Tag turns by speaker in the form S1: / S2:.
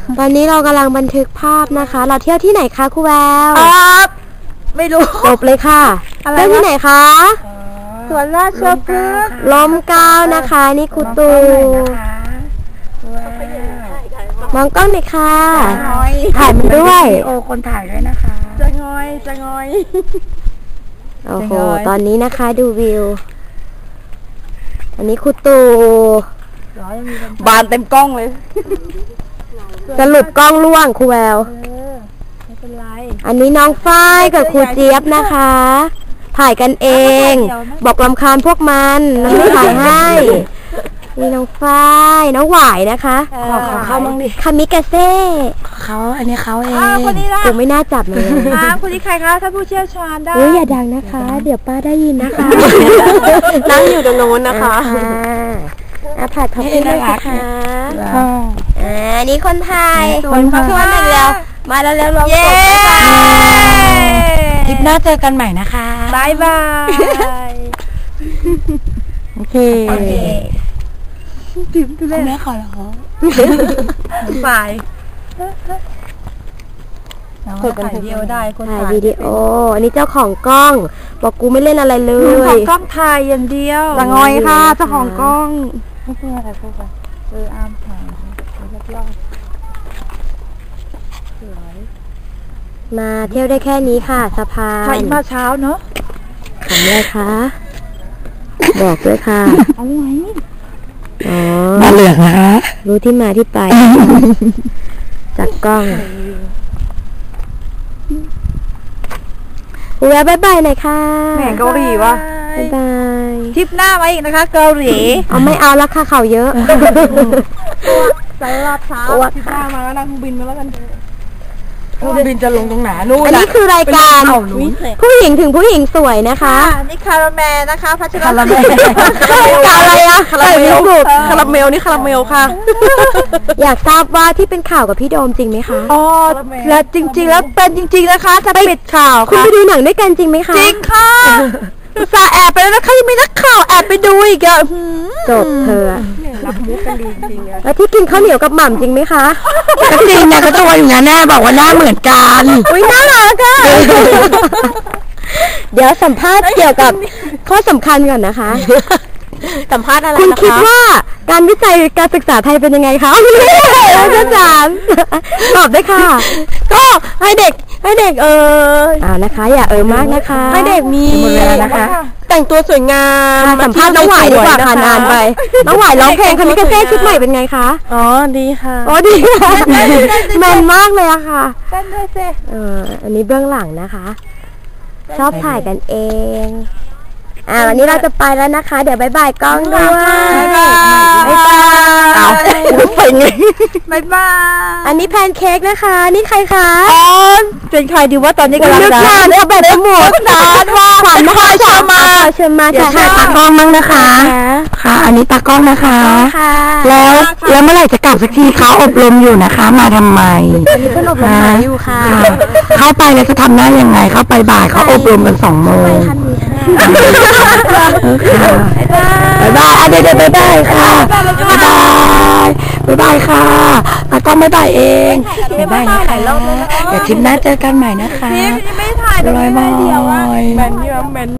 S1: ตอนนี้เรากำลังบันทึกภาพนะคะเราเที่ยวที่ไหนคะครูแวว
S2: ไม่รู้
S1: จบเลยค่ะเที่ยวที่ไหนคะ
S2: สวนราชพฤกษ์
S1: ลมเกล้านะคะนี่ครูตูมองกล้องหน่อยค่ะถ่ายมันด้วย
S2: โอ้คนถ่ายด้วยนะคะจะงอย
S1: โอ้โหตอนนี้นะคะดูวิวอันนี้ครูตู
S2: บานเต็มกล้องเลย
S1: สรุปกล้องล่วงครูแวว
S2: ไม่เป็นไร
S1: อันนี้น้องฝ้ายกับครูเจี๊ยบนะคะถ่ายกันเองบอกรำคาญพวกมันแล้วไม่ถ่ายให้นี่น้องฝ้ายน้องหวายนะคะ
S2: ขอเข้ามั่งดิ
S1: คามิกาเซ่
S2: เขาอันนี้เขาเองคนนี้ล่ะ
S1: กูไม่น่าจับเลย
S2: คนนี้ใครคะถ้าผู้เชี่ยวชาญได้
S1: อย่าดังนะคะเดี๋ยวป้าได้ยินนะคะ
S2: นั่งอยู่ตรงโน้นนะคะ
S1: ผัดท็อปปิ้งด้วยนะคะนี่คนไทย
S2: คนเข้ามา
S1: แล้วมาแล้วรวมกลุ่ม
S2: คลิปหน้าเจอกันใหม่นะคะบาย
S1: โอเค
S2: คุณแม่ขอแล้วบายคนถ่ายวิดีโอได้คน
S1: ถ่ายวิดีโออันนี้เจ้าของกล้องบอกกูไม่เล่นอะไรเลย
S2: ของกล้องถ่ายอย่างเดียว
S1: ละงอยค่ะเจ้าของกล้อง
S2: ไม่ใช่อะไรพวกแบบอ้ามถ่ายรอบสวย
S1: มาเที่ยวได้แค่นี้ค่ะสะพาน
S2: ถ่ายมาเช้าเนาะ
S1: ทำอะไรคะบอกด้วยค่ะ
S2: เอาไว้
S1: มา
S2: เหลืองนะคะ
S1: รู้ที่มาที่ไปจากกล้องแวะบายบายหน่อยค่ะ
S2: แหม่เกาหลีวะ
S1: บายบาย
S2: ทริปหน้ามาอีกนะคะเกาหลี
S1: ไม่เอาละค่ะเขาเยอะ
S2: สายลาดเท้าทริปหน้ามาแล้วนั่งบินมาแล้วกันบินจะลงตรงไหนนู่น
S1: อันนี้คือรายการผู้หญิงถึงผู้หญิงสวยนะคะ
S2: นี่คาราเมลนะคะพัชร
S1: คาราเมลอะไรอะ
S2: คาราเมลคาราเมลนี่คาราเมลค่ะ
S1: อยากทราบว่าที่เป็นข่าวกับพี่โดมจริงไหมคะ
S2: แล้วจริงๆแล้วเป็นจริงๆนะคะจะปิดข่าว
S1: คุณไปดูหนังด้วยกันจริงไหมคะ
S2: จริงค่ะซาแอบไปแล้วนะคะยังมีนักข่าวแอบไปดูอีกอะ
S1: จบเธอ
S2: รับมุกกันดีจริง
S1: แล้วที่กินข้าวเหนียวกับหม่ำจริงไหมคะ
S2: ก็จริงนะก็ตัวอยู่นะแน่บอกว่าหน้าเหมือนกัน
S1: อุ้ยน่ารักอะเดี๋ยวสัมภาษณ์เกี่ยวกับข้อสำคัญก่อนนะคะ
S2: สัมภาษณ์อะไร
S1: คุณคิดว่าการวิจัยการศึกษาไทยเป็นยังไงคะอาจารย์ตอบได้ค่ะ
S2: ก็ให้เด็ก
S1: นะคะอย่ามากนะคะ
S2: ให้เด็กมี
S1: นะคะ
S2: แต่งตัวสวยงาม
S1: สัมภาษณ์น้องหวายดีกว่าค่ะนานไปน้องหวายร้องเพลงคามิกาเซ่ชุดใหม่เป็นไงคะ
S2: ดีค่ะ
S1: ดีแมนมากเลยอะค่ะ
S2: เต้นด้วยสิ
S1: อันนี้เบื้องหลังนะคะชอบถ่ายกันเองวันนี้เราจะไปแล้วนะคะเดี๋ยวบายบายกล้องด้วย
S2: บายบาย
S1: ไปไง
S2: บายบาย
S1: อันนี้แพนเค้กนะคะนี่ใครคะ
S2: เป็นใครดีว่าตอนนี้กำลัง
S1: นึกนานเอาแบบสมุดนานว่าขวัญนะคะเชิญมาถ่ายตากล้องมั้งนะคะค่ะอันนี้ตากล้องนะคะแล้วเมื่อไหร่จะกลับสักทีเขาอบรมอยู่นะคะมาทำไมอันนี้เพิ่งอบรมอยู่ค่ะเข้าไปแล้วจะทำหน้ายังไงเข้าไปบ่ายเขาอบรมกัน2 โมงบายบายเดี๋ยวบายบายค่ะบายบายค่ะตากล้องบายบายเองบายบายนะคะเดี๋ยวทริปหน้าเจอกันใหม่นะคะ
S2: ไม่ถ่ายเลย
S1: บายบาย